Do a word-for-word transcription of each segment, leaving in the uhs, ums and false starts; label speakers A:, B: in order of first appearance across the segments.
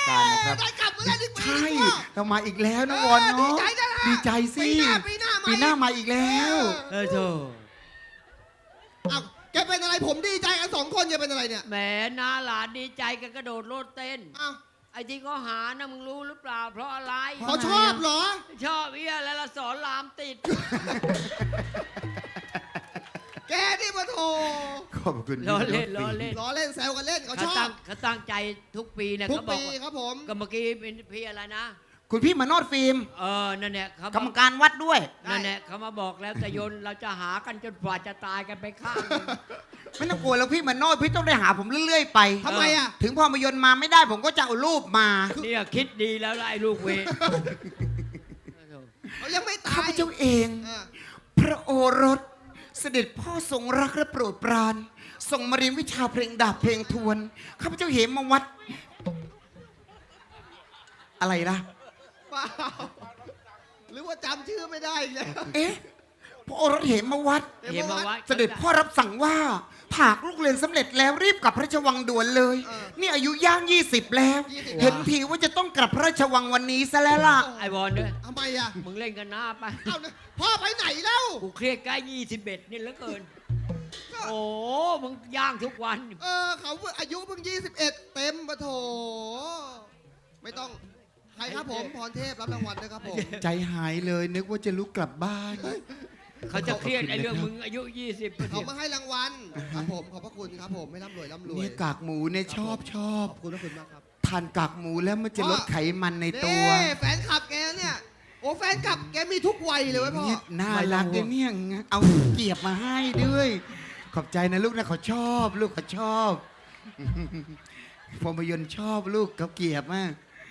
A: การนะครับ
B: ได้กลับมาแล้วอีกปี
A: ใช่เรามาอีกแล้วน้องวอนเนาะดีใจสิปีหน้ามาอีกแล้ว
C: เออโธ่
B: อ้าวแกเป็นอะไรผมดีใจกันสองคนแกเป็นอะไรเนี่ย
C: แหมน้าหลานดีใจกันกระโดดโลดเต้น
B: อ้าว
C: ไอ้ที่เขาหานะมึงรู้หรือเปล่า เพราะอะไร
B: เขาชอบเหรอ
C: ชอบเอี้ยแล้วละสอนรามติด
B: แกนี่มาโถ
A: ขอบคุณ
C: ล้อเล่นล้อเล่น
B: ล้อเล่นแซวกันเล่นเขา
C: เขา
B: ชอ
C: ตั้
B: บ
C: งเขาตั้งใจทุกปีเนี่ย
B: ทุก
C: เขาบอก
B: ปี
C: ว่า
B: ครับผม
C: ก็เมื่อกี้เป็นพี่อะไรนะ
A: คุณพี่มโนดฟิล์ม
C: เออนั่นแหละเขา
A: กรรมการวัดด้วย
C: นั่นแหละเขามาบอกแล้วแต่ยนเราจะหากันจนกว่าจะตายกันไปข้างหนึ่ง
A: ไม่ต้องกลัวแล้วพี่มโนดพี่ต้องได้หาผมเรื่อยๆไป
B: ทำไมอ่ะ
A: ถึงพอมายนต์มาไม่ได้ผมก็จะเอารูปมา
C: เนี่ยคิดดีแล้วล่ะไอ้ลูกเวร
B: เขายังไม่ตา
A: ข้าย พเจ้าเอง
B: เออ
A: พระโอรส เสด็จพ่อทรงรักและโปรดปรานทรงมาเรียนวิชาเพลงดาบเพลงทวนข้าพเจ้าเหมมาวัด อะไรล่ะ
B: เปล่าหรือว่าจำชื่อไม่ได้อีกแล้ว
A: เอ๊ะพระโอรสเหมมาวัด
C: เห็นมาว่า
A: เสด็จพ่อรับสั่งว่าหากลูกเรียนสำเร็จแล้วรีบกลับพระราชวังด่วนเลย นี่อายุย่างยี่สิบแล้ว เห็นทีว่าจะต้องกลับพระราชวังวันนี้ซะแล้วล่ะ
C: ไอ้บอลด้วย
B: ทำไมอ่ะ
C: มึงเล่นกันหน้าไป
B: เอาเนี่ยพ่อไปไหนแล้ว
C: กูเครียดใกล้ยี่สิบเอ็ดนี่เหลือเกิน โอ้มึงย่างทุกวัน
B: เออเขาอายุเพิ่งยี่สิบเอ็ดเต็มปะโถ ไม่ต้อง ใครครับผมพรเทพรับรางวัลด้วยครับผม
A: ใจหายเลยนึกว่าจะลุกกลับบ้าน
C: เขาจะเครียดไอ้เรื่องมึงอายุยี่สิบ
B: เขามาให้รางวัลครับผมขอบพระคุณครับผมไม่ร่ำรวยร่ำรวย
A: เนี่ยกากหมูเนี่ยชอบชอบ
B: ขอบคุณพระคุณมากครับ
A: ทานกากหมูแล้วมันจะลดไขมันในตัว
B: นี่แฟนคลับแกเนี่ยโอ้แฟนคลับแกมีทุกวัยเลยเว้ยพ่อ
A: เนี่ยน่ารักเลยเนี่ยเอาเกียบมาให้ด้วย ขอบใจนะลูกนะเขาชอบ ลูกเขาชอบพอมายนต์ชอบลูกเขาเกียบมาก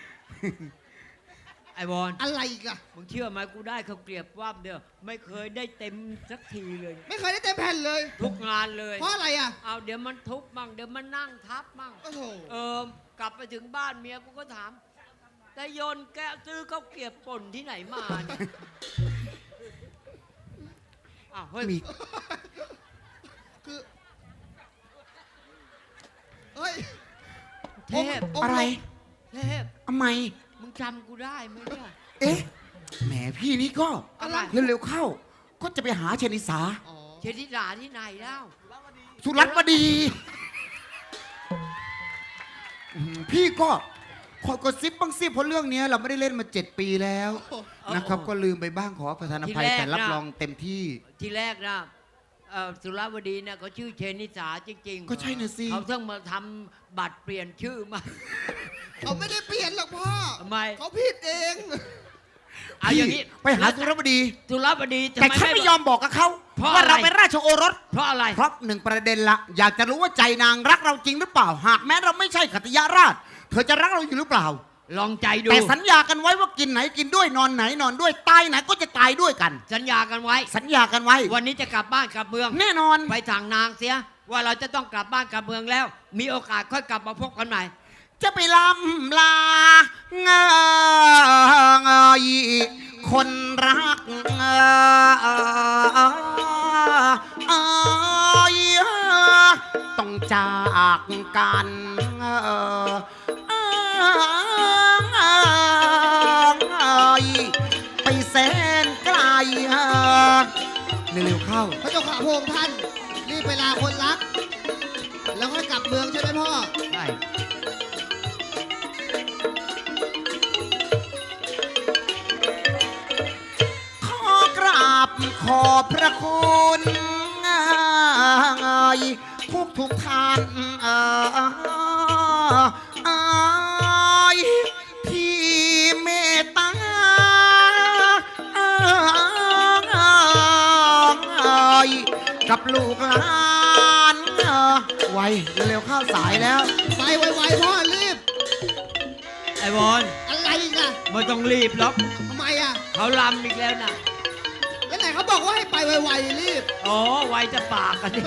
C: ไอ้บอล
B: อะไรอีกล่ะ
C: มึงเชื่อไหมกูได้เขาวเกลียบว่าบเดียวไม่เคยได้เต็มสักทีเลย
B: ไม่เคยได้เต็มแผ่นเลย
C: ทุกงานเลย
B: เพราะอะไรอ่ะ
C: เอาเดี๋ยวมันทุบมั่งเดี๋ยวมันนั่งทับมั่ง
B: โอ้โห
C: เออกลับไปถึงบ้านเมียกูก็ถามแต่โยนแกซื้อข้าวเกรียบป่นที่ไหนมาเนี่ยอ้าวเฮ้ย
A: มี
B: คือเฮ้ย
C: เทพ
B: องค์
A: อะไร
C: เทพ
A: ทำไม
C: มึงจำกูได้ไหมเนี่ย
A: เอ๊ะแหมพี่นี่ก็
C: อะไร
A: เร็วๆเข้า ก็จะไปหาชนิสา
B: อ๋อ
C: เชนิดาที่ไหนแล้ว
A: สุรัตน์วดีอืมพี่ก็คอยกดซิปบ้างซิเพราะเรื่องเนี้ยเราไม่ได้เล่นมาเจ็ดปีแล้วนะครับ ก็ลืมไปบ้างขอประทานอภัยแต่รับรองเต็มที่
C: ทีแรกนะเอ่อสุราวดีเนี่ยเขาชื่อเชนิสาจริงๆ
A: ก็ใช่น่ะสิ
C: เขาเพิ่งมาทำบัตรเปลี่ยนชื่อมา
B: เขาไม่ได้เปลี่ยนหรอกพ่อ
C: ทำไม
B: เขาผิดเอง
C: เอาอย่างนี้
A: ไปหาสุรบดี
C: สุราวดีทำ
A: แต่
C: ไม
A: ฉันไม่ยอมบอกกับเขา
C: เพราะ
A: ว่า
C: อะไร
A: เราเป็นราชโอรส
C: เพราะอะไร
A: เพราะหนึ่งประเด็นละอยากจะรู้ว่าใจนางรักเราจริงหรือเปล่า หากแม้เราไม่ใช่ขัตยาราช เธอจะรักเราอยู่หรือเปล่า
C: ลองใจดู
A: แต่สัญญากันไว้ว่ากินไหนกินด้วยนอนไหนนอนด้วยตายไหนก็จะตายด้วยกัน
C: สัญญากันไว้
A: สัญญากันไว้
C: วันนี้จะกลับบ้านกลับเมือง
A: แน่นอน
C: ไปทางนางเสีย ว่าเราจะต้องกลับบ้านกลับเมืองแล้ว มีโอกาสค่อยกลับมาพบกันใหม่
A: จะไปลำลาเงยคนรักเอยต้องจากกันไปแสนไกลเร็วๆเข้า
B: พระเจ้าข่าพระองค์ท่านรีบไปลาคนรัก แล้วค่อยกลับเมืองใช่ไหมพ่อ
C: ใช่
A: ขอกราบขอบพระคุณทุกทุกท่านเอ่ยที่เมตตากับลูกหลานไวเร็วๆเข้าสายแล้ว
B: ไปไวๆพ่อรีบ
C: ไอ้บอล
B: อะไรอีกอ่ะ
C: ไม่ต้องรีบหรอก
B: ทำไมอ่ะ
C: เขาลำอีกแล้วนะ
B: แล้วไหนเขาบอกว่าให้ไปไวๆรีบ
C: อ๋อไวจะปากกันดิ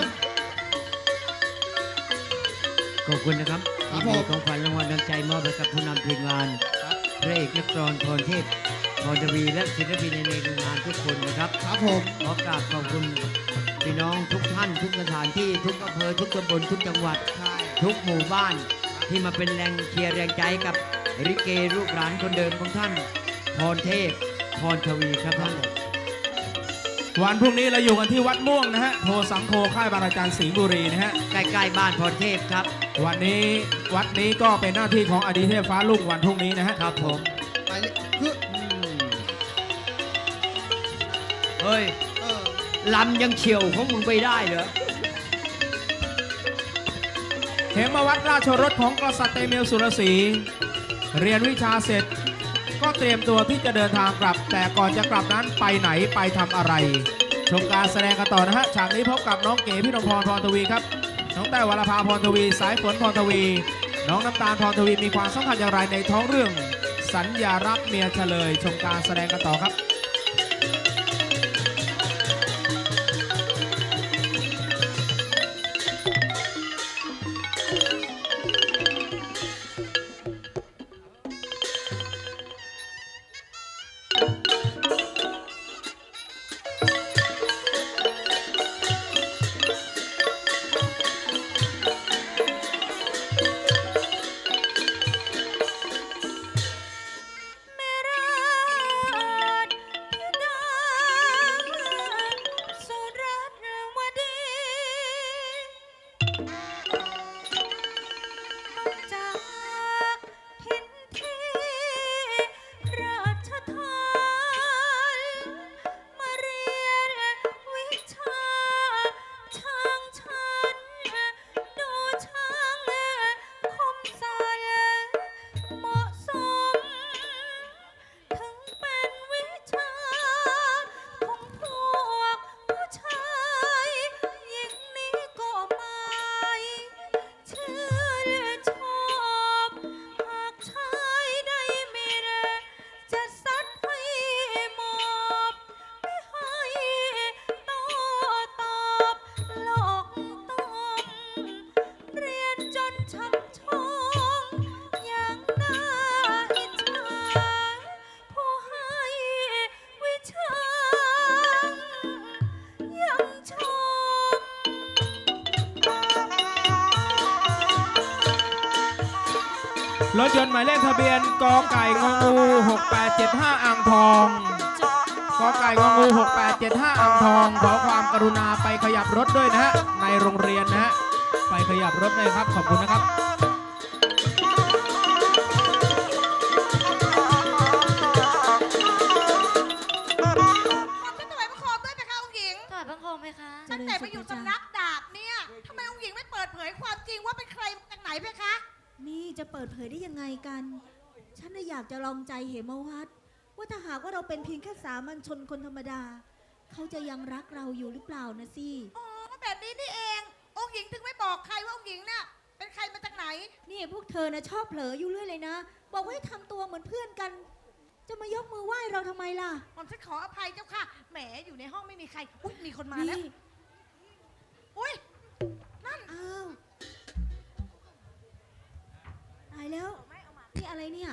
C: ขอบคุณนะครับ
B: ครับ
C: ที่
B: ผม
C: มีของขวัญรางวัลน้ำใจมอบให้กับผู้นำทีมงานพระเอกนักร้องพรเทพพรทวีและศิลปินในงานทุกคนนะครับ
B: ครับผม
C: ขอกราบขอบคุณพี่น้องทุกท่านทุกสถานที่ทุกอำเภอทุกตำบลทุกจังหวัด
B: ใช่
C: ทุกหมู่บ้านที่มาเป็นแรงเชียร์แรงใจกับริเกลูกหลานคนเดิมของท่านพรเทพพรทวีครับท่าน
D: วันพรุ่งนี้เราอยู่กันที่วัดม่วงนะฮะโพสังโฆค่ายบางระจันสิงห์บุรีนะฮะ
C: ใกล้ๆบ้านพรเทพครับ
D: วันนี้วัดนี้ก็เป็นหน้าที่ของอดีเทพฟ้าลุ่งวันพรุ่งนี้นะฮะ
C: ครับผม
B: ไปเลยคือ
C: อืมเฮ้ย
B: เออ
C: ลำยังเฉียวของมึงไปได้เหรอ
D: เหมวัดราชรถของกษัตริย์เตเมียวสุรศรีเรียนวิชาเสร็จ ก็เตรียมตัวที่จะเดินทางกลับ แต่ก่อนจะกลับนั้นไปไหนไปทำอะไร ชมการแสดงกันต่อนะฮะฉากนี้พบกับน้องเก๋พี่นพพรพรทวีครับน้องแต้ววรภาพรทวีสายฝนพรทวี น้องน้ำตาลพรทวีมีความสำคัญอย่างไรในท้องเรื่อง สัญญารักเมียเฉลย ชมการแสดงกันต่อครับ
E: แม่ราชธิดาสุรัตนวดีต้องจากถิ่นที่ราชทานมาเรียนวิชาช่างฉันดูช่างคมสันเหมาะสม ถึงเป็นวิชาของพวกผู้ชายหญิงนี้ก็ไม่ชื่นชอบหากชายได้มีแรงจะซัดให้หมอบไม่ให้โต้ตอบหลอกต้อมเรียนจนช่ำชองอย่างน่าอิจฉา ผู้ให้วิชายังชม
D: รถยนต์หมายเลขทะเบียนกไก่งองูหกแปดเจ็ดห้าอ่างทองกไก่งองูหกแปดเจ็ดห้าอ่างทองขอความกรุณาไปขยับรถด้วยนะฮะในโรงเรียนนะฮะไปขยับรถเลยครับขอบคุณนะครับ
E: ฉันถวายบังคมด้วยไหมคะองค์หญิง
F: ถวายบังคมไหมคะ
E: ตั้งแต่ไปอยู่สำนักดาบเนี่ยทำไมองค์หญิงไม่เปิดเผยความจริงว่าเป็นใครมาจากไหนเพคะ
G: นี่จะเปิดเผยได้ยังไงกัน ฉันน่ะอยากจะลองใจเหมวัดว่าถ้าหากว่าเราเป็นเพียงแค่สามัญชนคนธรรมดา เขาจะยังรักเราอยู่หรือเปล่านะสิ
E: อ๋อแบบนี้นี่เอง องค์หญิงถึงไม่บอกใครว่าองค์หญิงเนี่ยเป็นใครมาจากไหน
G: นี่พวกเธอนะชอบเผลออยู่เรื่อยเลยนะ บอกว่าให้ทำตัวเหมือนเพื่อนกัน จะมายกมือไหว้เราทำไมล่ะ
E: ผมฉันขออภัยเจ้าค่ะ แหมอยู่ในห้องไม่มีใคร อุ้ยมีคนมาแล้ว
G: นี่
E: อุ้ยนั่น
G: อ้าวตายแล้วนี่อะไรเนี่ย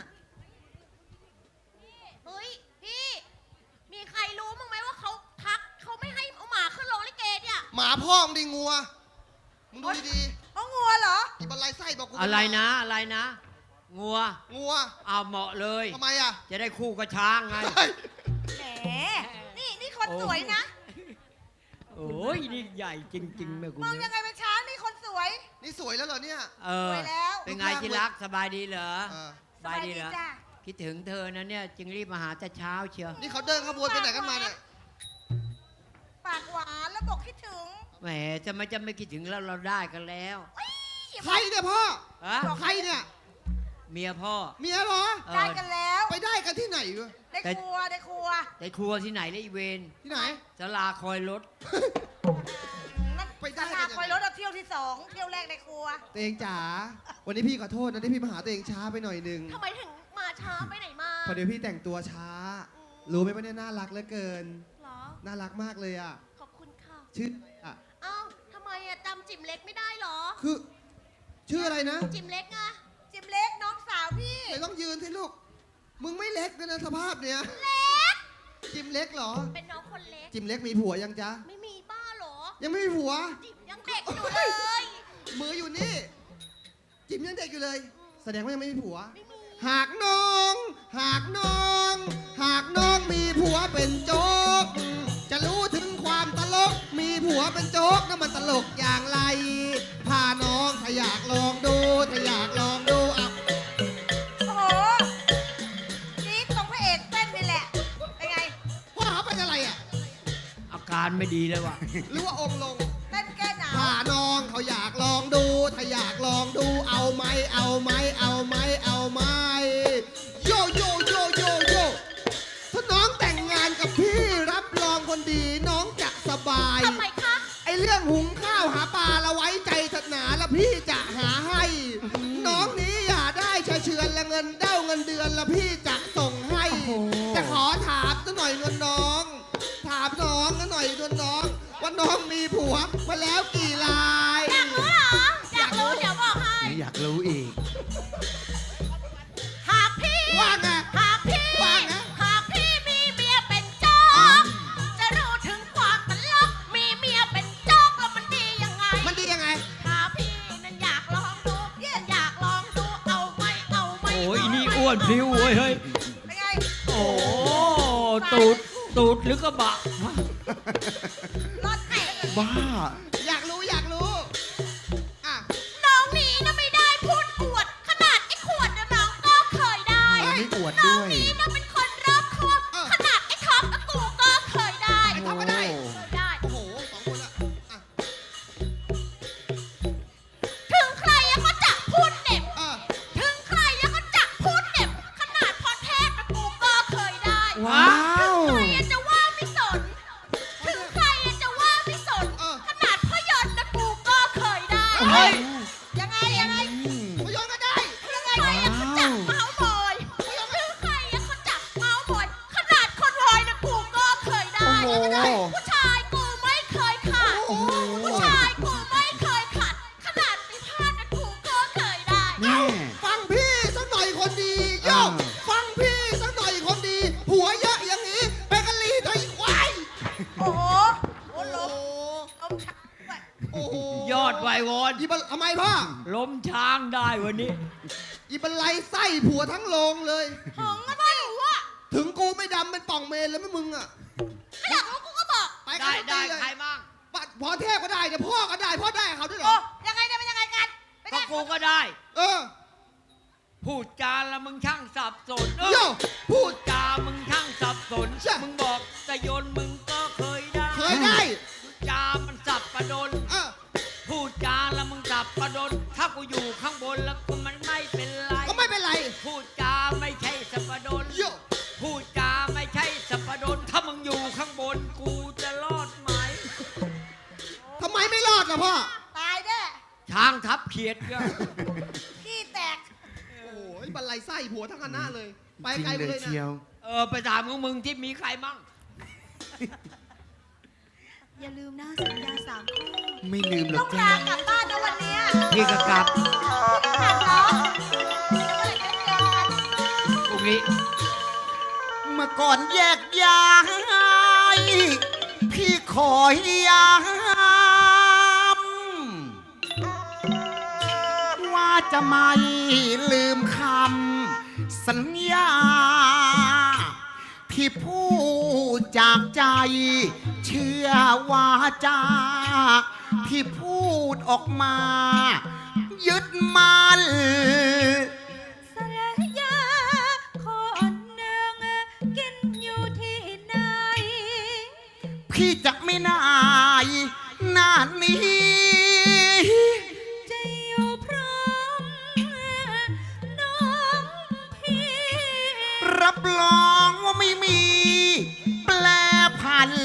F: เฮ้ย พี่ มีใครรู้มั้งไหมว่าเขาทักเขาไม่ให้เอาหมาขึ้นโรงลิเกเนี่ย
B: หมาพ่องดิงัว มึงดูดี
E: เอางัวเหรอ
B: ๆอีบันไลไส้บอกกูเป็
C: อะไร
B: หมา
C: นะอะไรนะ งัว
B: งัว
C: เอาเหมาะเลย
B: ทำไมอ่ะ
C: จะได้คู่กับช้างไง
B: เฮ้ย
E: แหม นี่นี่คน
C: โอ้
E: สวยนะ
C: โอ้ยนี่ใหญ่จริงๆแม่คุณ
E: มองยังไงเป็นช้างนี่คนสวย
B: นี่สวยแล้วเหรอเนี่ย
C: เออ
E: สวยแล้ว
C: เป็นไงที่รักสบายดีเหรอ
B: เออ
C: สบายดีเหรอ
E: จ้ะ
C: คิดถึงเธอนะเนี่ยจึงรีบมาหาแต่เช้าเชียว
B: นี่เขาเดินขบวนไปไหนกันมาเนี่ย
E: ปากหวานแล้วบอกคิดถึง
C: แหมจะไม่จะไม่คิดถึงแล้วเราได้กันแล้ว
B: ใครเนี่ยพ่อ
C: ฮะ
B: ใครเนี่ย
C: เมียพ่อ
B: เมียเหรอ
C: เอ
E: ได้
C: อ
E: กันแล้ว
B: ไปได้กันที่ไหนวะ
E: ได้
C: แต่
E: ครัวได้ครัว
C: ในครัวที่ไหนเลยอีเวน
B: ที่ไหน
C: สลาคอยรถ
E: นั่น
B: ไปได้
E: สลาคอยรถเอาเที่ยวที่สองเที่ยวแรกในครัว
B: ตัวเองจ๋า วันนี้พี่ขอโทษนะที่พี่มาหาตัวเองช้าไปหน่อยหนึง
F: ทำไมถึงมาช้าไปไหนมา
B: พอเดี๋ยวพี่แต่งตัวช้า รู้ไหมว่าเนี่ยน่ารักเหลือเกิน
F: เหรอ
B: น่ารักมากเลยอ่ะ
F: ขอบคุณค่ะ
B: ชื่ออะไรอ่ะ
F: เอ้าทำไมอะจำจิ๋มเล็กไม่ได้เหรอ
B: คือ ชื่ออะไรนะ
F: จิ๋มเล็กไง
E: จิมเล็กน้องสาวพี่
B: ไหนต้องยืนสิลูก มึงไม่เล็กเลยนะสภาพเนี้ย
F: เล็ก
B: จิมเล็กเหรอ
F: เป็นน้องคนเล็ก
B: จิมเล็กมีผัวยังจ๊ะ
F: ไม่มีบ้าเหรอ
B: ยังไม่มีผัว
F: จิ๋มยังเด็กอยู่เลย
B: มืออยู่นี่ จิมยังเด็กอยู่เลย แสดงว่ายังไม่มีผัว
F: ไม่มี
B: หากน้อง หากน้อง หากน้องมีผัวเป็นโจ๊ก จะรู้ถึงความตลก มีผัวเป็นโจ๊กนั่นมันตลกอย่างไร พาน้องถ้าอยากลองดู ถ้าอยากลองดูเอา
F: โอ้โหนี่ตรงพระเอกเต้นนี่แหละ เป็นไง
B: ว่าเขาเป็นอะไรอ่ะ
C: อาการไม่ดีเลยว่ะ
B: หรือว่าองค์ลง
F: เต้นแก้หนาว
B: ถ้าน้องเขาอยากลองดู ถ้าอยากลองดู เอาไหมเอาไหมเอาไหมเอาไหมโยโยโยโยโยถ้าน้องแต่งงานกับพี่รับรองคนดีน้องจะสบาย
F: ทำไมคะ
B: ไอเรื่องหุงข้าวหาปลาละไว้ใจศาสนาละพี่จะหาให้ น้องนี้อย่าได้เฉยเชือนละเงินเด้าเงินเดือนละพี่จะส่งให้จะขอถามสักหน่อยเงินน้อง ถามน้องสักหน่อยเงินน้อง ว่าน้องมีผัวมาแล้วกี่ราย
F: อยากรู้เหรอ อยากรู้เดี๋ยวบอกให้
A: ไม่อยากรู้อีก
F: หากพี่
B: ว่าไง
F: หากพี่
B: ว่าไง
F: หากพี่มีเมียเป็นโจ๊ก จะรู้ถึงความตลก มีเมียเป็นโจ๊กแล้วมันดียังไง
B: มันดียังไง
F: ถ้าพี่นั้นอยากลองดูอยากลองดู เอาไหมเอาไหม
C: โอ้ย
F: เาไหม
C: นี่อ้วนพลิ้วเว้ยเฮ้ย
F: เป็นไง
C: โอ้ตูดตูดหรือกระบะ
F: รถแตก
A: บ้า
B: อยากรู้อยากรู้อ่ะ
F: น้องนี่นะไม่ได้พูดอวด ขนาดไอ้ขวดนะน้องก็เคยได้
A: ไม่อวด
F: น้
A: ด้
F: อง
A: วย
F: นี่นะเป็นคนรอบคอบ
B: เออ
F: ขนาดไอ้ท็อปกับกูก็เคยได้
B: ไอ้ท็อปก็ได้
F: เคยได้
B: โอ้โหสองคนละอ่ะ
F: ถึงใครอะก็จะพูดเหน็บ
B: อ่ะ
F: ถึงใครอะก็จะพูดเหน็บ ขนาดพรเทพกับกูก็เคยได้
A: ว้าว
F: ถึงใครอะจะว่าไม่สน ถึงใครอะจะว่าไม่สน
B: เออ
F: ขนาดพยนต์นะกูก็เคยได้
B: เฮ้ย
F: ยังไงยังไง
A: อืม
B: พยนต์ก็ได้
F: ยังไงอะเขาจับเมาส์บอยถึงใครอะเขาจับเมาส์บอย ขนาดคนวอยนะกูก็เคยได้
A: โอ้โห
F: ผู้ชายกูไม่เคยขาด
A: โอ้โห
F: ผู้ชายกูไม่เคยขัด ขนาดมีพลาดนะกูก็เคยได้
A: แม่
B: ฟังพี่สักหน่อยคนดีโย
A: อ่า
B: ฟังพี่สักหน่อยคนดี หัวเยอะอย่างนี้ไปกะลีตัวอีกควาย
F: โอ้โห
B: โอ้โห
F: ล้มชักด้วย
B: โอ้โห
C: ยอดไวยวอน
B: อีบันทำไมพ่อ
C: ล้มช้างได้วันนี้
B: อีบันไลไส้ผัวทั้งโรงเลย
F: ถึงก็ไม่รู้อะ
B: ถึงกูไม่ดำเป็นป่องเมนเลยไม่มึงอ่ะ
F: ไม่อยากรู้กูก็บอก
B: ไปกั
C: ได้
B: น
C: ได้
B: เลย
C: ใครมั่ง
B: ปัดพอเทพก็ได้เดี๋ยวพ่อก็ได้พ่อได้เขาด้วยเหร
F: โอ้
B: อ
F: ยังไงเนี่ยเป็นยังไงกันเป็น
C: ก็
F: ไง
C: กูก็ได้
B: เออ
C: พูดจาแล้วมึงช่างสับสนเออ
B: โยพู
C: พู
B: ด
C: ดจามึงช่างสับสน
B: ใช่
C: มึงบอกแต่โยนมึงก็เคยได้
B: เคยได้
C: พูดจามันสับประดน
B: เออ
C: พูดจาแล้วมึงสับประดน ถ้ากูอยู่ข้างบนแล้วกูมันไม่เป็นไร
B: ก็ไม่เป็นไร
C: พูดจาไม่ใช่สับประดน
B: โย
C: พูดจาไม่ใช่สับประดน ถ้ามึงอยู่ข้างบนกูจะรอดไหม
B: ทำไมไม่รอดล่ะพ่อ
F: ตายแน่
C: ช้างทับเขียดก็
F: ขี้แตก
B: โอ้โหบันไลไส้ผัวทั้งคณะเลย ไป
A: จริง
B: ไกลไป
A: เลย
B: เลย
A: เชีย
B: นะ
A: ว
C: เออไปถามของมึงที่มีใครมั่ง
G: อย่าลืมนะสัญญาสามข้อ
A: ไม่ลืมหร
F: ต้
A: อ
F: อก ง
A: จ้า
F: ลากลับบ้านนะวันเนี้ย
C: พี่ก็กลับ
F: ถามน้องเมื่อไหร่จะเจอกัน
C: พรุ่งนี้
A: เมื่อก่อนแยกย้ายพี่ขอยามว่าจะไม่ลืมคำสัญญา ที่พูดจากใจ เชื่อว่าจาที่พูดออกมา ยึดมัน
G: สัญญาคนหนึ่งกินอยู่ที่ไหน
A: พี่จะไม่นายหน้านี้
G: จะอยู่พร้อมน้องพี่
A: รับรองว่าไม่มีแปลผัน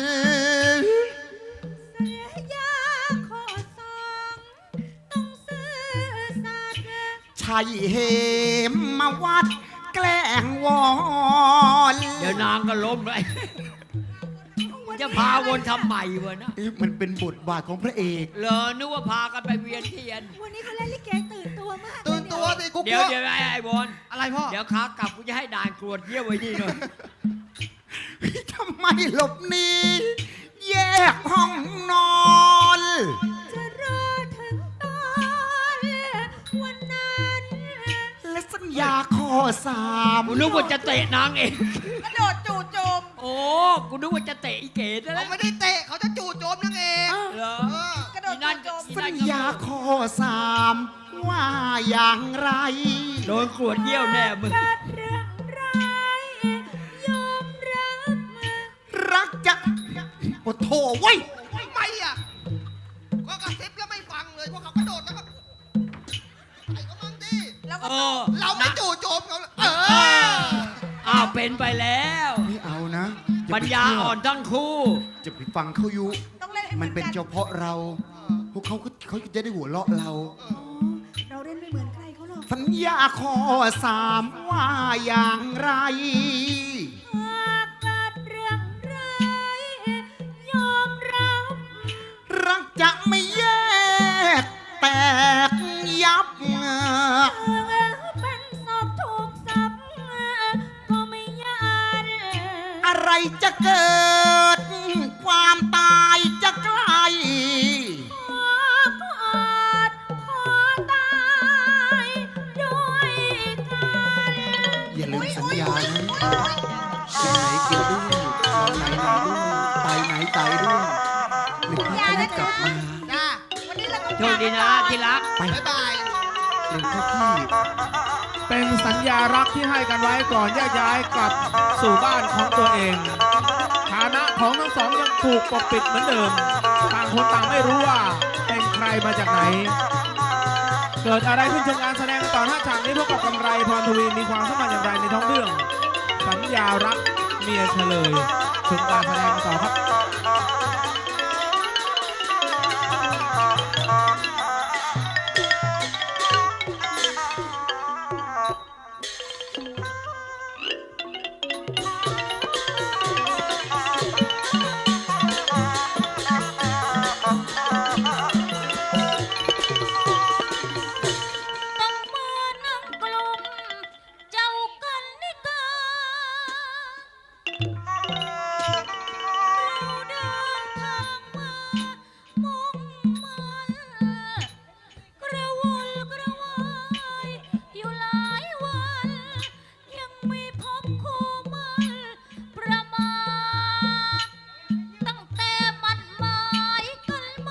G: สัญญาข้อสองต้องซื่อสัตย์
A: ใช่เหมมาวัดแกล้งวอน
C: เดี๋ยวนางก็ล้มเลย จะพาวนทำใหม่วะนะ
A: เอ๊ะมันเป็นบทบาทของพระเอก
C: เหรอนึกว่าพากันไปเวียนเทียน
G: วันนี้เขาเล่นลิเกตื่นตัวมาก
B: ตื่นตัวสิกูก
C: เดี๋ย
B: ลั
C: ว
B: ว
C: เดี๋ยวไอ้ไอ้บอล
B: อะไรพ่อ
C: เดี๋ยวขากลับกูจะให้ด่านกรวดเยี่ยวไว้นี่หน่อย
A: ทำไมหลบหนีแยกห้องนอน
G: จะรอถึงตอนวันนั้น
A: และสัญญญาข้อสาม
C: กูนึกว่าจะเตะนางเอง
F: กระโดดจู่โจม
C: โอ้กูนึกว่าจะเตะอีเก๋ซะแล้
B: เขา
C: ว
B: ไม่ได้เตะเขาจะจู่โจมนางเอก
C: เหรอ
B: เออก
F: ระโดด
C: อีนั่น
F: จู่โจม
C: อี
A: สั
C: นั่
A: ญ
C: นก็
A: ญาข้อสามว่าอย่างไร
C: โดนขวดเยี่ยวแน่มึง
E: เกิดเรื่องร้ายยอมรับมา
A: รักจะโอ้โถไว้ย
B: ทำไมอ่ะก็กระซิบแล้วไม่ฟังเลยพวกเขากระโดดแล้วก็ไอ้ก็มั่งดิ
F: แล้วก็
C: เออ
B: เราไม่จู่โจมเขาเออ
C: อ้าวเป็นไปแล้ว
A: ไม่เอานะอย่
C: ปัญ
A: ไป
C: ญา
A: เชื่
C: อ่อนทั้งคู่
A: จะไปฟังเขาอยู่
F: ต้องเล่นให้ห
A: มั
F: อน
A: เป็น
F: กั
A: เฉพาะเรา พวกเขาก็เขาจะได้หัวเราะเรา
G: อ๋อเราเล่นไม่เหมือนใครเขาหรอก
A: สัญญาข้อสามว่าอย่างไร
E: หากเกิดเรื่องร้ายยอมรับ
A: รักจะไม่แยกแตกยับ
E: เป็นศพถูกสับก็ไม่ยาน
A: อะไรจะเกิด ความตายจะใกล้
E: ขอกอดขอตายด้วยกัน
A: อย่าลืมสัญญานะกินไหนกินด้วยนอนไหนนอนด้วยไปไหนไปด้วยหรือข้าจะกลับมา
B: จ้า
F: วันนี้เราก็
C: โชคดีนะที่รัก
A: ไป
B: บ๊ายบาย
A: เร็วเข้าพี่
D: เป็นสัญญารักที่ให้กันไว้ก่อนแยกย้ายกลับสู่บ้านของตัวเองฐานะของทั้งสองยังถูกปกปิดเหมือนเดิม ต่างคนต่างไม่รู้ว่าเป็นใครมาจากไหน เกิดอะไรขึ้นชมการแสดงต่อหน้าฉากนี้พบกับกำไรพรทวีมีความสัมพันธ์อย่างไรในท้องเรื่อง สัญญารักเมียเฉลยชมการแสดงกันต่อครับ
E: ต้องมานั่งกลมเจ้ากันนิกาเราเดินทางมามุ่งมันกระวนกระวายอยู่หลายวัน ยังไม่พบคู่มันประมาทตั้งแต่มันหมายกันมา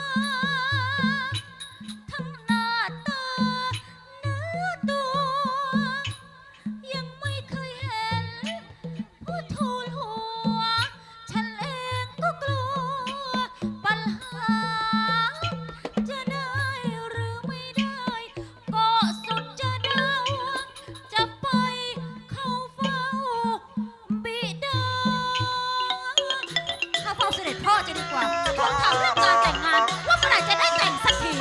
E: ทั้งหน้าตาเนื้อตัว ยังไม่เคยเห็นผู้ทูลหัว ฉันเองก็กลัว ปัญหา จะได้หรือไม่ได้ ก็สุดจะเดา จะไปเข้าเฝ้าบิดาเข้าเฝ้าเสด็จพ่อจะดีกว่าทวงถามเรื่องการแต่งงาน ว่าเมื่อไหร่จะได้แต่งสักที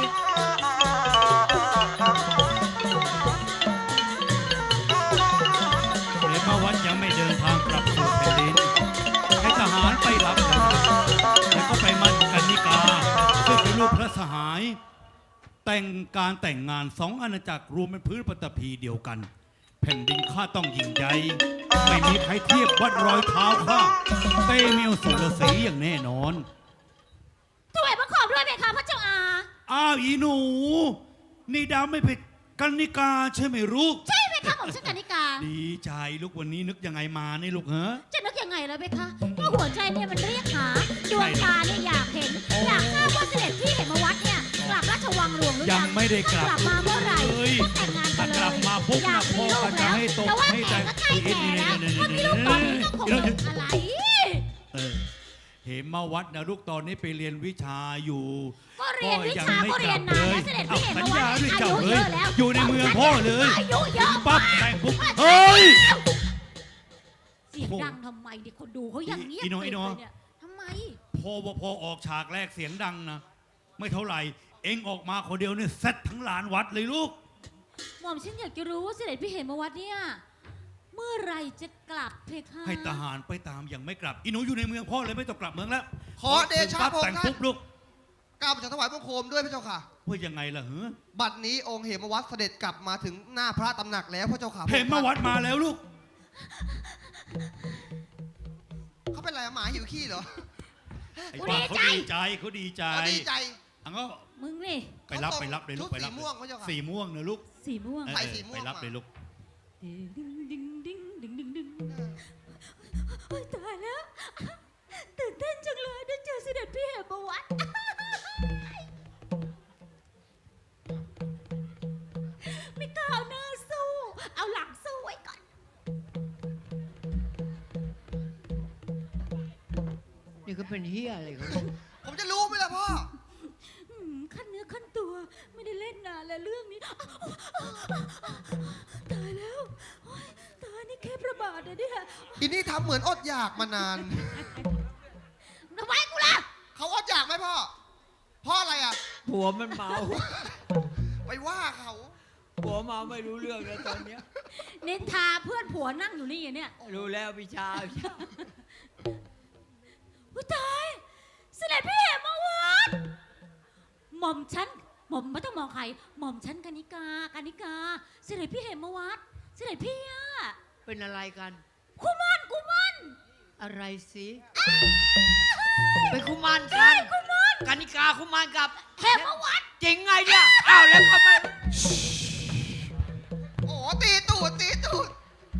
H: เหมวัดยังไม่เดินทางกลับสู่แผ่นดินให้ทหารไปรับกันแล้วก็ไปมั่นกันนิกาซึ่งเป็นลูกพระสหาย แต่งการแต่งงานสองอาณาจักรรวมเป็นพื้นปฐพีเดียวกัน แผ่นดินข้าต้องยิ่งใหญ่ไม่มีใครเทียบวัดรอยเท้าข้าเตเมียวสุรศรีอย่างแน่นอน
E: ถวายบังคมด้วยไหมคะพระเจ้าอา
H: อ้าวอีหนู นี่ดาวไม่เป็นกันนิกาใช่ไหมลูก
E: ใช่ไหมคะผมชื่อกานิกา
H: ดีใจลูกวันนี้นึกยังไงมานี่ลูกเหรอ
E: จะนึกยังไงแล้วไหมคะว่าหัวใจเนี่ยมันเรียกหาดวงตาเนี่ยอยากเห็น อยากทราบว่าเสด็จพี่เหมวัดเนี่ยกลับราชวังหลวงหรือ
H: ยั
E: ยัง ง
H: ไม่ได้กลับ
E: ถ้ากลับมาเมื่อไหร่
H: เอ้ย
E: ก็แต่งงานกั
H: ถ้าน
E: เลย
H: กลับมาปุ๊บ
E: อยา
H: นะ
E: ก
H: พ่
E: มี
H: อ
E: ลู
H: ก็
E: ก
H: จะ
E: แล้ว
H: ให้ตก
E: แต่ว่า
H: ให้
E: แก่
H: แต่ง
E: ก็ใกล้แก่แล้วถ้ามีลูกตอนนี้ก็คงไม่มีอะไร
H: เออเหมวัดนะลูกตอนนี้ไปเรียนวิชาอยู่
E: ก็เรียนวิชา
H: ยังไม่
E: ก็เรียน
H: กลั
E: นาน
H: บ
E: แล้วเสด็จพี่เหม
H: สัญ
E: วั
H: ญา
E: ด
H: ด้วย
E: อา
H: เจ้า
E: ยุ
H: เล
E: เย
H: ย
E: อะแล้ว
H: อยู่ในเมืองพ่อเลย
E: อายุเยอะ
H: ปั๊บ
E: มาก
H: แต่งปุ๊บเฮ้ย
E: เสียงดังทำไมดิคนดูเขายังเงียบ
H: อีโน่อีโน่
E: เลยเนี่ยทำไม
H: พอพอออกฉากแรกเสียงดังนะ ไม่เท่าไหร่ เอ็งออกมาคนเดียวเนี่ยเซตทั้งลานวัดเลยลูก
E: หม่อมฉันอยากจะรู้ว่าเสด็จพี่เหมวัดเนี่ยเมื่อไหรจะกลับเพคะ
H: ให้ทหารไปตามยังไม่กลับอีหนูอยู่ในเมืองพ่อเลยไม่ต้องกลับเมืองแล้ว
B: ขอเดชะ
H: ปั๊บ
B: พระอง
H: แต่ง
B: ค์ท่าน
H: ปุ๊บลูก
B: ก้าวประชาถวายบังคมด้วยพระเจ้าค่ะ
H: ว่ายังไงล่ะเฮ้อ
B: บัดนี้องค์เหมวัดเสด็จกลับมาถึงหน้าพระตำหนักแล้วพระเจ้าค่ะ
H: เห็นมาวัดมาแล้วลูก
B: เขาเป็นอะไรอะหมาหิวขี้เหรอ
H: ไอ้ป้าเขาดีใจเขาดีใจ
B: เขาดีใจ
H: อังก็
E: มึงนี่
H: ไปรับไปรับเลยลูก
B: ชุด
H: ไปรับ
B: สีม่วงพระเจ้าค่ะ
H: สีม่วงนะลูก
E: สีม่วง
H: เออ
B: ใส่สีม่วง
H: ไปรับ
B: มา
H: เลยลูก
E: ดึงดึงดึงดึงดึงดึงโอ๊ยตายแล้วตื่นเต้นจังเลยได้เจอเสด็จพี่เหมวัดไม่กล้าเอาหน้าสู้เอาหลังสู้ไว้ก่อน
C: นี่ก็เป็นเฮียอะไรเขา
B: ผมจะรู้ไหมล่ะพ่อ
E: อืมขั้นเนื้อขั้นตัวไม่ได้เล่นนานแล้วเรื่องนี้ตายแล้วโอ๊ยตายนี่แค่ประบาทนะเนี่ย
B: อินนี่ทำเหมือนอดอยากมานาน
E: ทำไมกูล่ะ
B: เขาอดอยากไหมพ่อ พ่ออะไรอ่ะ
C: ผัวมันเมา
B: ไปว่าเขา
C: ผัวเมาไม่รู้เรื่องแล้วตอนเนี้ย
E: นินทาเพื่อนผัวนั่งอยู่นี่เนี่ย
C: รู้แล้วพิชาพิชา
E: อุ้ยตายเสด็จพี่เหมวัดหม่อมฉันหม่อมไม่ต้องมองใครหม่อมฉันกนิกากนิกาเสด็จพี่เหมวัดเสด็จพี่อะ
C: เป็นอะไรกัน
E: คุมันคุมัน
C: อะไรสิเป็นคุมารกัน
E: คุมัน
C: กานิกาคุมารกับ
E: เหมวัด
C: จริงไงเนี่ยอ้าวแล้วทำไม
B: โอ้ตีตูดตีตูด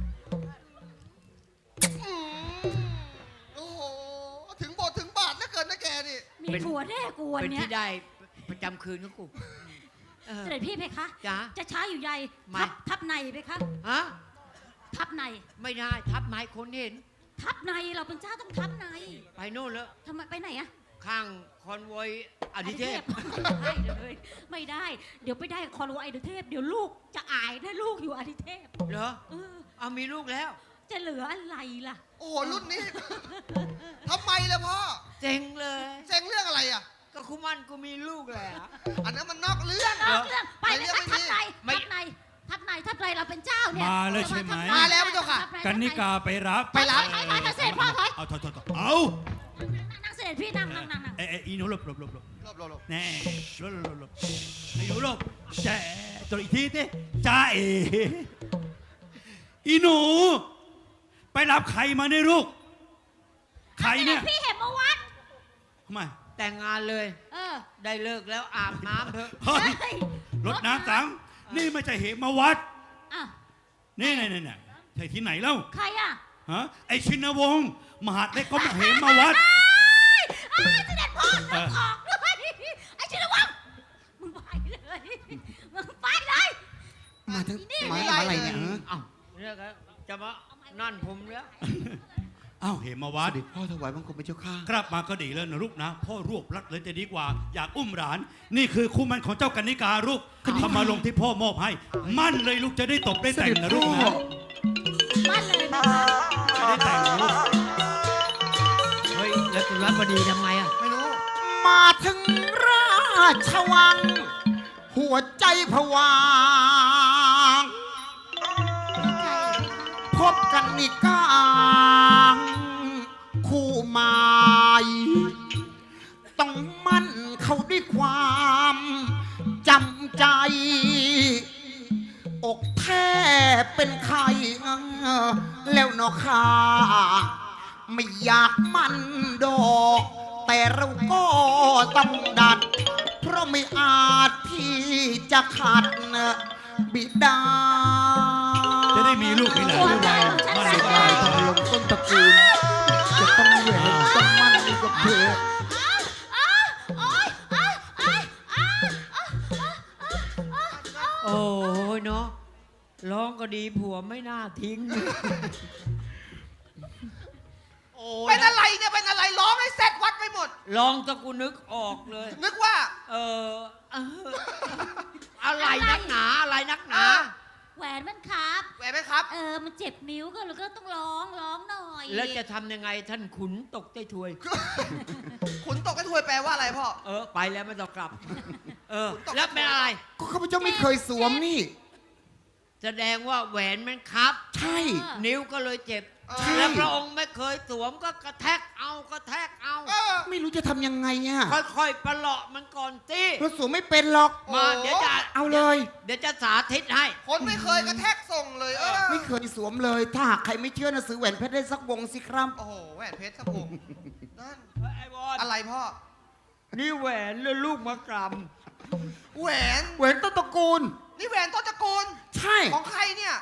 B: อืมโอ้โห ถึงบทถึงบาทแล้วเกินนะแกนี่
E: มีผัวแน่กูวัน
C: เป็น
E: เนี้ย
C: ที่ได้ประจำคืนของกูเออ
E: เสด็จพี่เพคะ
C: จ๊ะ
E: จะช้าอยู่ใหญ่
C: ไม่
E: ทับทับในเพคะ
C: ฮะ
E: ทับใน
C: ไม่ได้ทับไม้คนเห็น
E: ทับในเราเป็นเจ้าต้องทับใน
C: ไปโน่นแล้ว
E: ทำไมไปไหนอะ
C: ข้างคอนวอยอดิเทพ
E: ไม่ได้เลยไม่ได้ เดี๋ยวไปได้คอนโวไอเดเทพ เดี๋ยวลูกจะอายถ้าลูกอยู่อดิเทพ
C: เหรอ
E: เออ
C: เอามีลูกแล้ว
E: จะเหลืออะไรล่ะ
B: โอ้โห รุ่นนี้ ทำไมล่ะพ่อ
C: เจ๋งเลย
B: เซ็งเรื่องอะไรอ่ะ
C: ก็คุมันกูมีลูกแล้ว
B: อันนั้นมันนอกเรื่อง
E: นอกเรื่องไป
B: ไม่
E: เลย
B: เรื่อง
E: ทับ
B: ไม่
E: ใน
B: มี
E: ทับในทับในทับในเราเป็นเจ้าเนี่ย
H: มาแล้วใช่ไหม
B: มาแล้วพระเจ้าค่ะ
E: ทับใน
H: กันนิกาไปรับ
B: ไปรับ
E: ถอยถอยถอยเสด็จพ่อถอย
H: เอาถอยถอยถอยเอา
E: นั่งเสด็จพี่นั่งนั่งนั่งนั่ง
H: เอ้ยเอ้ยอีหนูหลบหลบหลบหลบ
B: หลบหลบหลบ
H: แน่หลบหลบหลบหลบไอ้หนูหลบแจ๊ตัวอีกทีสิจ้าเออีหนู ไปรับใครมาเนี่ยลูก ใครเนี่ย
E: พี่เห็นมาวัด
H: ทำไม
C: แต่งงานเลย
E: เออ
C: ได้เลิกแล้วอาบน้ำเถอะ
H: เฮ้ย
E: เฮ้ย
H: รถน้ำสัง นี่ไม่ใช่เหตุมาวัด
E: อ่ะ
H: นี่นี่นี่นี่ใช่ที่ไหนเล่า
E: ใครอ่ะ
H: ฮะ ไอชินวงศ์มหาดเล็กก็มาเหตุมาวัด
E: เอ้ยเสด็จพ่อ
H: เออ
E: ออกด้วยไอ้ชินวังมึงไปเลยมึงไปเลย
A: มาทั้ง
E: นี่
A: มา
E: ไม่
A: มา
E: ได้
A: อะไรเนี่ยฮะ
C: เอ้าเนี่ยก็จะมานั่นผมแล้ว
H: อ้าวเหตุมาวัด
A: เด็จพ่อถวายบังคมพระเจ้าข้า
H: ครับมาก็ดีแล้วนะลูกนะ พ่อรวบรัดเลยจะดีกว่า อยากอุ้มหลาน นี่คือคู่มันของเจ้ากันนิกาลูกทำมาลงที่พ่อมอบให้ มั่นเลยลูกจะได้ตบได้แต่งนะลูกนะ
E: บ้านเลยนะคะ
H: จะได้แต่งนะลูก
C: เฮ้ย แล้วตุลาบดีทำไมอ่ะ
B: ไม่รู้
A: มาถึงราชวัง หัวใจผวางพบกันนิกาคู่หมายต้องมั่นเขาด้วยความจำใจ อกแทบเป็นไข่แล้วเนอค่ะไม่อยากมันดอก แต่เราก็ต้องดัด เพราะไม่อาจที่จะขัดบิดา
H: จะได้มีลูกมีหลานด้วยวัยมั่น
A: เสีย
H: ก็
A: ดาย
H: ได้
A: ทำลงต้นตระกูล จะต้องเหนื่อยต้องมั่นอยู่กับเธอ
C: โอ้ยเนาะร้องก็ดีผัวไม่น่าทิ้ง โอ้ย
B: เป็นอะไรเนี่ย เป็นอะไร ร้องให้เสร็จวัดไปหมด
C: ร้องตะกูนึกออกเลย
B: นึกว่า
C: เออเอออะไรนักหนาอะไรนักหนา
E: แหวนมันครับ
B: แหวนไหมครับ
E: เออ มันเจ็บนิ้วก็เลยก็ต้องร้องร้องหน่อย
C: แล้วจะทำยังไงท่านขุนตกใจถวย
B: ขุนตกกระถวยแปลว่าอะไรพ่อ
C: เออ ไปแล้วไม่ต้องกลับ เออ แล้วเป็นอะไร
A: ก็ข้าพเจ้าไม่เคยสวมนี่
C: แสดงว่าแหวนมันครับ
A: ใช่
C: นิ้วก็เลยเจ็บ
A: ใช่
C: แล้วพระองค์ไม่เคยสวมก็กระแทกเอากระแทกเอา
B: เออ
A: ไม่รู้จะทำยังไงอ่ะ
C: ค่อยๆประหลาะมันก่อนสิ
A: เราสวมไม่เป็นหรอก
C: มา
B: โอ้
C: เดี๋ยวจะ
A: เอาเลย
C: เดี๋ยวจะสาธิตให้
B: คนไม่เคยกระแทกส่งเลย เออ
A: ไม่เคยสวมเลย ถ้าหากใครไม่เชื่อนะซื้อแหวนเพชรได้สักวงสิครับ
B: โอ้โห แหวนเพชรครับผม นั่น
C: ไอ้บอล
B: อะไรพ่อ
C: นี่แหวนแล้วลูกมะกร
B: แหวน
A: แหวนต้นตระกูล
B: นี่แหวนต้นตระกูล
A: ใช่
B: ของใครเนี่ย
A: ของเส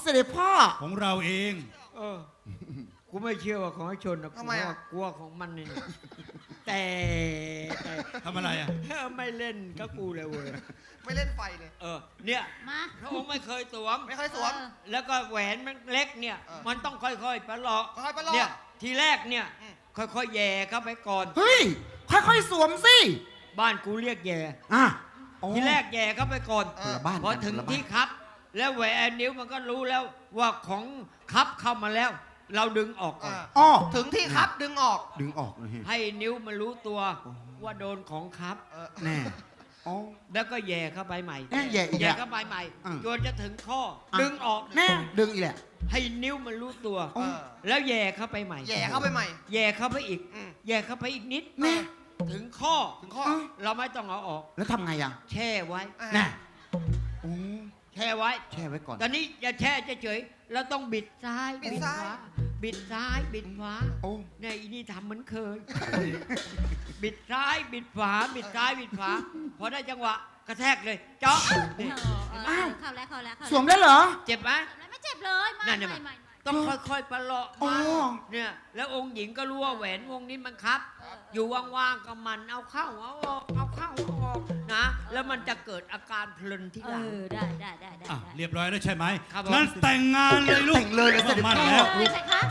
A: ด็จพ่อ
H: ของเราเอง
C: เออ กูไม่เชื่อว่าของไอ้ชนนะ
B: ทำไมอะ
C: กลัวของมันนี่ แต่แต่
H: ทำอะไรอ่ะ
C: ไม่เล่นก็กูเลยเว้ย
B: ไม่เล่นไฟเลย
C: เออ เนี่ย
E: มา
C: พระองค์ไม่เคยสวม
B: ไม่เคยสวม
E: เออ
C: แล้วก็แหวนมันเล็กเนี่ย
B: เออ
C: มันต้องค่อยๆประหลอก
B: ค่อยๆประหลอก
C: เนี่ย ทีแรกเนี่ย
B: อืม
C: ค่อยๆแย่เข้าไปก่อน
A: เฮ้ย ค่อยๆสวมสิ
C: บ้านกูเรียกแย่
A: อ่ะอ๋อ
C: ทีแรกแย่เข้าไปก่อน
A: คนละบ้าน
C: พอถึง
A: คนละบ้าน
C: ที่ครับ แล้วแหวนนิ้วมันก็รู้แล้วว่าของครับเข้ามาแล้ว เราดึงออกก่อน
B: อ่า
A: อ๋อ
B: ถึงที่ครับดึงออก
A: ดึงออกเลยฮะ
C: ให้นิ้วมันรู้ตัวว่าโดนของครับ
B: เออ
A: แน่อ๋อ
C: แล้วก็แย่เข้าไปใหม่
A: แน่แย่อีก
C: แย่
A: แล้ว
C: เข้าไปใหม่
A: อืม
C: จนจะถึงข้อ
A: อ่ะ
C: ดึงออก
A: แน่ดึงอีกแหละ
C: ให้นิ้วมันรู้ตัว
A: อ๋อ
C: แล้วแย่เข้าไปใหม่
B: แย่เข้าไปใหม่
C: แย่เข้าไปอีก
B: อืม
C: แย่เข้าไปอีกนิด
A: แน่
C: ถึงข้อ
B: ถึงข้อ
A: อ๋อ
C: เราไม่ต้องเอาออก
A: แล้วทำไงอ่ะ
C: แช่ไว้
B: อ่า
A: แน่โอ้
C: แช่ไว้
A: แช่ไว้ก่อน
C: ตอนนี้อย่าแช่เฉยๆเราต้องบิดซ้าย
B: บิดซ้าย
C: ขวบิดซ้ายบิดขวา
A: โอ้
C: เนี่ยอีนี่ทำเหมือนเคย บิดซ้ายบิดขวาบิดซ้ายบิดขวาพอได้จังหวะกระแทกเลยเจาะ
E: เอ
C: นี่
E: อเออ
A: อ้าว
E: เข้าแล้วเข้าแล้วเข้า
A: สวมได้เหรอ
C: เจ็บไหม
E: แล้วไม่เจ็บเลยไม่
C: นั่นเนี่ย
E: ไม่ไม่ไม่
C: ต้องค่อยๆประเลาะ
A: อ๋อ
C: มาเนี่ยแล้วองค์หญิงก็รู้ว่าแหวนวงนี้มันครับ อยู่ว่างๆก็มันเอาเข้าเอาออกเอาเข้าเอาออกนะ แล้วมันจะเกิดอาการเพลินที่
E: เอ
C: หลัง
E: อได้ได้ได้ได้
H: อ่ะ
E: ได้
H: เรียบร้อยแล้วใช่ไหม
C: ครับผม
H: งั้นแต่งงานเลยลูก
A: แต่งเลยเลยเสด็จพ่อ
H: มั่นแล้ว
E: เออใช่คะ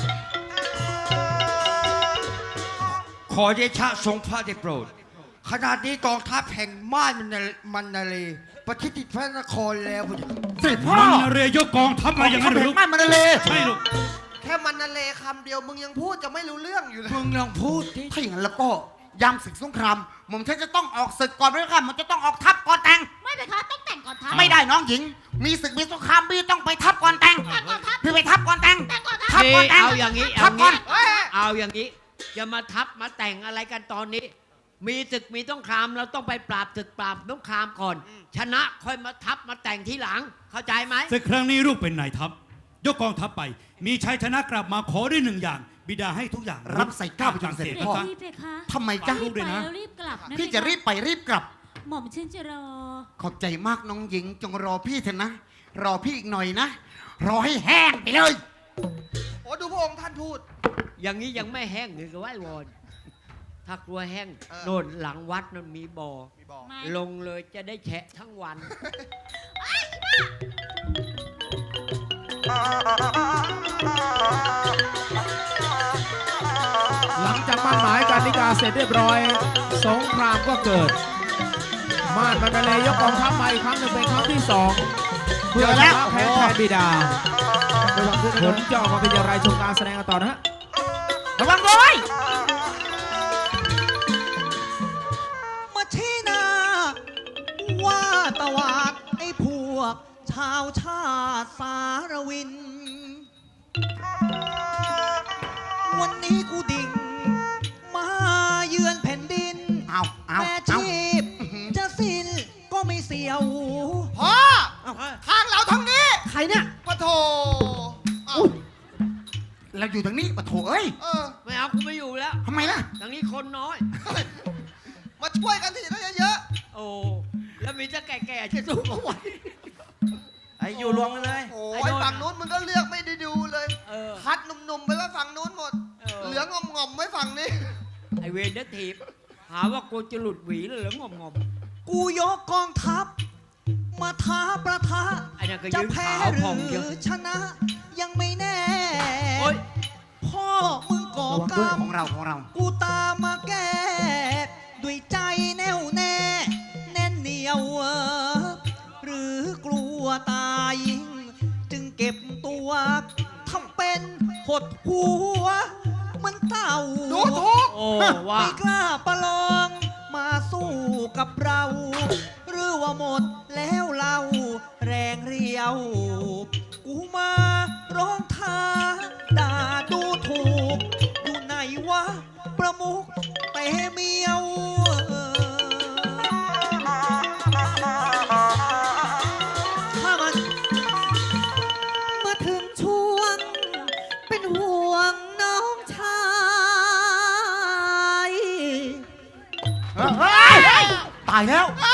I: ขอเดชะทรงพระได้โปรด ขนาดนี้กองทัพแห่งม่านมันนามันนาเลประชิดติดพระนครแล้วพุทธ
A: เสด็จพ่อ
H: มันนาเรยกกองทัพมาอย่างนั้นเหรอลูก
A: ไม่มันเลย
H: ใช่ลูก
B: แค่มันนาเลคำเดียวมึงยังพูดจะไม่รู้เรื่องอยู่เลย
I: มึงลองพูดที่
A: ถ้าอย่างนั้นแล้วก็ยามศึกสงครามหม่อมฉันจะต้องออกศึกก่อนด้วยค่ะมันจะต้องออกทัพก่อนแต่ง
E: ไม่ไปคะต้องแต่งก่อนทัพ
A: ไม่ได้น้องหญิง มีศึกมีสงครามพี่ต้องไปทัพก่อนแต่ง
E: แต่งก่อนทัพ
A: พี่ไปทัพก่อนแต่ง
E: แต่งก่อนทัพ
A: ทัพก่อนแต่ง
C: เอาอย่างนี้
A: ทั
C: เอา
A: พก่อน
C: งี้
B: เฮ้ย
C: เอาอย่างนี้จะมาทับมาแต่งอะไรกันตอนนี้ มีศึกมีสงครามเราต้องไปปราบศึกปราบสงครามก่อน ชนะค่อยมาทับมาแต่งทีหลัง เข้าใจไหม
H: ศึกครั้งนี้ลูกเป็นนายทัพ ยกกองทัพไป มีชัยชนะกลับมาขอได้หนึ่งอย่าง บิดาให้ทุกอย่าง
A: รับใส่เกล้าไปจนเสร็จ
E: เด็ก
A: พ่อ
E: รีบไปคะ
A: ทำไมจ๊ะ
H: ลูกด้วยนะ
E: ไปแล้วรีบกลับนะ
A: พี่จะรีบไปรีบกลับ
E: หม่อมฉันจะรอ
A: ขอบใจมากน้องหญิงจงรอพี่เถอะนะ รอพี่อีกหน่อยนะ รอให้แห้งไปเลย
B: โอ้ดูพระองค์ท่านพูด
C: อย่างนี้ยังไม่แห้งเลยก็ไหว้วอนถ้ากลัวแห้ง
B: เออ
C: โน่นหลังวัดนั่นมีบ่อ
B: มีบอก
E: ไม่
C: ลงเลยจะได้แฉะทั้งวัน
D: หลังจากมั่นหมายการนิกาเสร็จเรียบร้อย สงครามก็เกิด ม่านมันเลยยกกองทัพมาอีกครั้งหนึ่งเป็นครั้งที่สองเพื่อชนะแพ้แทนบิดาผลจะออกมาเป็นอย่างไรชมการแสดงกันต่อนะฮะ
A: ระวังด้วย
J: มาชี้หน้าว่าตวาดไอ้พวก ชาวชาติสารวิน วันนี้กูดิ่ง มาเยือนแผ่นดิน
A: เอาเอา
J: แม่
A: เอา
J: ชีพจะสิ้นก็ไม่เสียว
B: พ่อทางเราทางนี้
A: ใครเนี่ย
B: ปะโถเอ้า
A: อุ๊ยเราอยู่ทางนี้ปะโถเอ้ย
B: เออ
C: ไม่เอากูไม่อยู่แล้ว
A: ทำไมล่ะ
C: ทางนี้คนน้อย
B: มาช่วยกันทีได้เยอะ
C: โอ้ แล้วมีจะแก่ๆจะสู้เขาไหว
I: ไอ้อยู่รวมกันเลย
B: ๆโอ้
C: ไอ้
B: ย
C: โดน
B: ฝั่งนู้นมึงก็เลือกไม่ได้ดูเลย
C: เออ
B: คัดหนุ่มๆไปไว้ฝั่งนู้นหมด
C: เออ
B: เหลืองงอมๆไว้ฝั่งนี้
C: ไอเวนเดอร์ทีบหาว่ากูจะหลุดหวีเลยเหรืองอมงอม
J: กูยกกองทัพ มาท้าประทะ
C: ๆไอ้นั่นก็
J: จะ
C: ยืน
J: แพ้
C: ขาว
J: ห
C: พองเย
J: รื
C: อะ
J: อชนะ ยังไม่แน่
C: โอ๊ย
J: พ่อมึงก่อ
A: ระวัง
J: ก
A: ด้วย
J: รรม
A: ของเราของเรา
J: กูตามมาแก้ ด้วยใจแน่วแน่ แน่นเหนียวเออหรือกลัวตาย จึงเก็บตัวทำเป็นหดหัว มันเต่า
B: ดูถูก
C: โอ้ว่า
J: ไม่กล้าประลองมาสู้กับเรา หรือว่าหมดแล้วเราแรงเรียว กูมาร้องท้าด่าดูถูก อยู่ไหนวะ ประมุขเตเมียวถ้ามันมาถึงช่วง เป็นห่วงน้องชาย
A: เฮ้ย ตายแล้ว
B: เอ